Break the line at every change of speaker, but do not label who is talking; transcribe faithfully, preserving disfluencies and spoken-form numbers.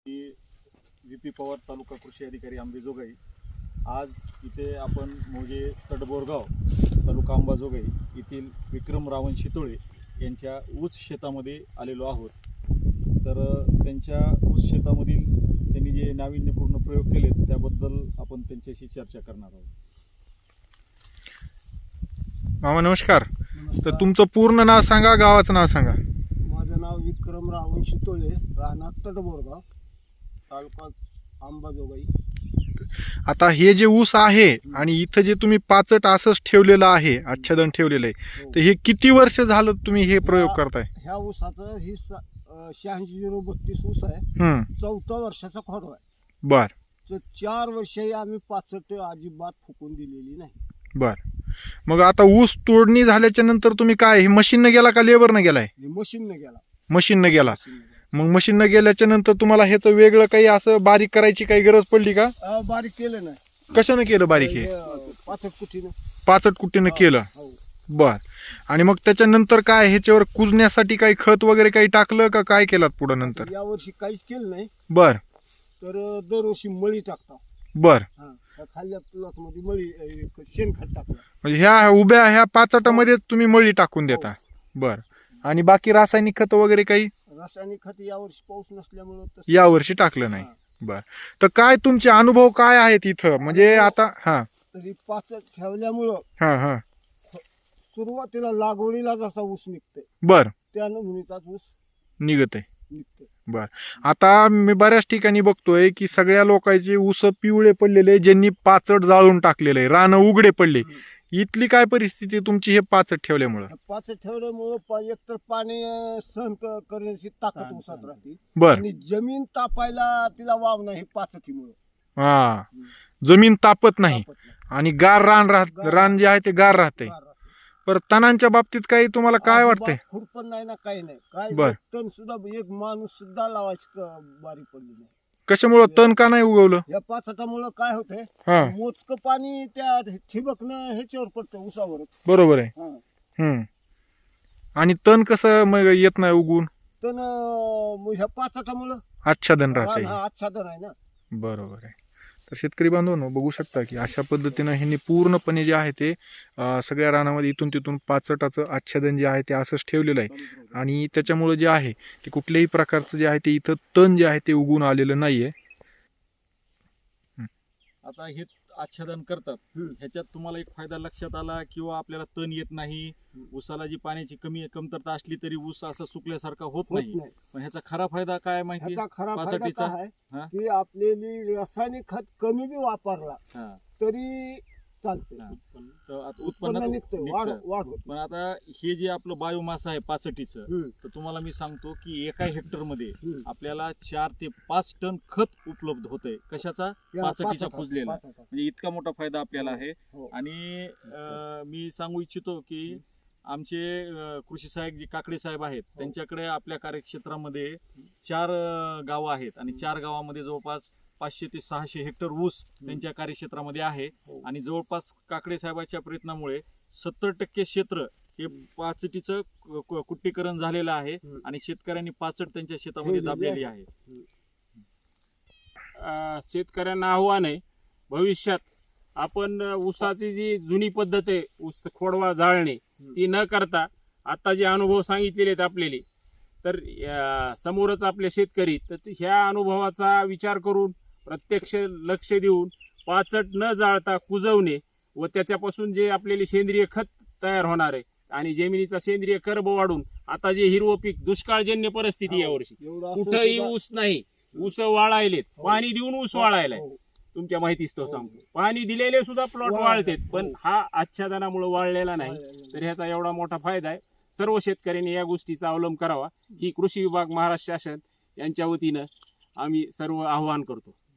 V P Pawar तालुका कृषी अधिकारी अंबाजोगाई। आज इथे आपण मोजे तडबोरगाव तालुका अंबाजोगाई येथील विक्रम रावण शितोळे यांच्या ऊस शेतामध्ये आलेलो आहोत। तर त्यांच्या ऊस शेतामधील त्यांनी जे नाविन्यपूर्ण प्रयोग केलेत त्याबद्दल आपण त्यांच्याशी चर्चा करणार आहोत।
मामा नमस्कार। तर तुमचं पूर्ण नाव सांगा, गावाचं नाव सांगा।
माझं नाव विक्रम रावण शितोळे, राहणार तडबोरगाव, तालुका अंबाजोगाई।
आता हे जे ऊस आहे आणि इथं जे तुम्ही पाचट असंच ठेवलेलं आहे, आच्छादन ठेवलेलं आहे, तर हे किती वर्ष झालं तुम्ही हे प्रयोग करताय?
ह्या ऊसाचं ही शहाऐंशी झिरो बत्तीस ऊस आहे।
हम्म
चौथा वर्षाचा खोडवा आहे।
बर
तर चार वर्षही आम्ही पाचट अजिबात फुकून दिलेली नाही।
बर मग आता ऊस तोडणी झाल्याच्या नंतर तुम्ही काय हे मशीनने गेला का लेबरने गेलाय?
मशीनने गेला।
मशीनने गेला।
मशीनने गेला।
मग मशीनने गेल्याच्या नंतर तुम्हाला ह्याचं वेगळं काही असं बारीक करायची काही गरज पडली का?
अं, बारीक केलं नाही।
कशाने केलं बारीक? हे
पाचट कुटीनं
पाचट कुट्टीनं केलं।
हो।
बर आणि मग त्याच्यानंतर काय ह्याच्यावर कुजण्यासाठी काही खत वगैरे काही टाकलं का काय केलं पुढं नंतर?
या वर्षी काहीच केलं नाही।
बर
तर दरवर्षी मळी टाकता।
बर
खाल्ल्या प्लॉट मध्ये मळी अं, शेणखत टाकलं।
म्हणजे ह्या उभ्या ह्या पाचटामध्येच तुम्ही मळी टाकून देता? बर आणि बाकी रासायनिक खत वगैरे काही?
रासायनिक खत यावर्षी पाऊस नसल्यामुळं
या वर्षी टाकलं नाही। बर तर काय तुमचे अनुभव काय आहेत इथं? म्हणजे आता हा
तरी पाचट ठेवल्यामुळं
हा हा
सुरुवातीला लागवडीला जसा ऊस निघतोय
बर
त्या नमुनीचाच ऊस
निघत आहे।
निघतोय।
बर आता मी बऱ्याच ठिकाणी बघतोय की सगळ्या लोकांचे ऊस पिवळे पडलेले, ज्यांनी पाचट जाळून टाकलेले आहे, रानं उघडे पडले। इथली काय परिस्थिती तुमची हे पाचट ठेवल्यामुळं?
पाचट ठेवल्यामुळं एकतर पाणी अं, सहन क- करण्याची ताकद ऊसात राहते
बर
आणि जमीन तापायला तिला वाव नाही पाचटीमुळे।
हा जमीन तापत नाही आणि गार रान राहत, रान जे आहे ते गार राहते। पर तणांच्या बाबतीत काही तुम्हाला काय वाटतंय?
खुरपण नाही ना, काही नाही। काय
बर.
तण सुद्धा एक माणूस सुद्धा लावायची क- बारी पडली नाही।
कशामुळं तण का नाही उगवलं?
या पाचटामुळं काय होतंय,
हा
मोजकं पाणी त्या ठिबकनं ह्याच्यावर पडतं ऊसावर।
बरोबर आहे। हम्म आणि तण कसं मग येत नाही उगवून?
तण अं, ह्या पाचटामुळं
आच्छादन राहते।
हा आच्छादन आहे ना।
बरोबर आहे। तर शेतकरी बांधवांनो बघू शकता की अशा पद्धतीनं ह्यांनी पूर्णपणे जे आहे ते अं, सगळ्या रानामध्ये इथून तिथून पाचटाचं आच्छादन जे आहे ते असंच ठेवलेलं आहे आणि त्याच्यामुळे जे आहे ते कुठल्याही प्रकारचं जे आहे ते इथं तण जे आहे ते उगवून आलेलं नाहीये।
आता हे आच्छादन करतात, ह्याच्यात तुम्हाला एक फायदा लक्षात आला किंवा आपल्याला तण येत नाही, ऊसाला जी पाण्याची कमी कमतरता असली तरी ऊस असा सुकल्यासारखा होत
होत
नाही।
नाही।
पण ह्याचा खरा फायदा काय माहिती?
ह्याचा खरा फायदा
पाचटीचा?
काय
हा?
आहे की आपल्याली रासायनिक खत कमी बी वापरला
हा,
तरी चालते।
हा. तर आता
उत्पन्न
उत्पन्नात
निघतं, वाढ
निघतं.
वाढ होत
पण आता हे जे आपलं बायोमास आहे पाचटीचं,
नाही।
तर तुम्हाला मी सांगतो की एका हेक्टर मध्ये
हम्म.
आपल्याला चार ते पाच टन खत उपलब्ध होतंय। कशाचा?
या
पाचटीचा
पाचटा-
कुजलेला।
पाचटा.
म्हणजे इतका मोठा फायदा आपल्याला आहे।
हो.
आणि अं, मी सांगू इच्छितो की आमचे अं, कृषी सहाय्यक जे काकडे साहेब आहेत त्यांच्याकडे आपल्या कार्यक्षेत्रामध्ये चार अं, गावं आहेत आणि चार गावामध्ये जवळपास पाचशे ते सहाशे हेक्टर ऊस त्यांच्या कार्यक्षेत्रामध्ये आहे
हो.
आणि जवळपास काकडे साहेबांच्या प्रयत्नामुळे सत्तर टक्के क्षेत्र हे पाचटीचं कु- कु- कुट्टीकरण झालेलं आहे
हम्म.
आणि शेतकऱ्यांनी पाचट त्यांच्या शेतामध्ये
ठेवलेली
दाबलेली
आहे.
आहे।
अ, शेतकऱ्यांना आव्हान आहे, भविष्यात आपण ऊसाची जी जुनी पद्धत आहे ऊस खोडवा जाळणे ती न करता आता जे अनुभव सांगितलेले आहेत आपल्याला, तर अ, समोरच आपले शेतकरी, तर ते ह्या अनुभवाचा विचार करून प्रत्यक्ष लक्ष देऊन पाचट न जाळता कुजवणे व त्याच्यापासून जे आपल्याला सेंद्रिय खत तयार होणार आहे आणि जमिनीचा सेंद्रिय कर्ब वाढून आता जे हिरवं पीक, दुष्काळजन्य परिस्थिती यावर्षी
एवढं असून
कुठंही
सुद्धा-
ऊस नाही, ऊस वाळायलेत, पाणी देऊन ऊस वाळायलाय।
हो.
तुमच्या माहितीच तो
हो.
सांगतो, पाणी दिलेले सुद्धा प्लॉट
वाळले.
वाळतेत, पण
हो.
हा आच्छादनामुळे वाळलेला नाही।
वाळलेला
तर ह्याचा एवढा मोठा फायदा आहे। सर्व शेतकऱ्यांनी या गोष्टीचा अवलंब करावा ही कृषी विभाग, महाराष्ट्र शासन यांच्या वतीनं आम्ही सर्व आवाहन करतो।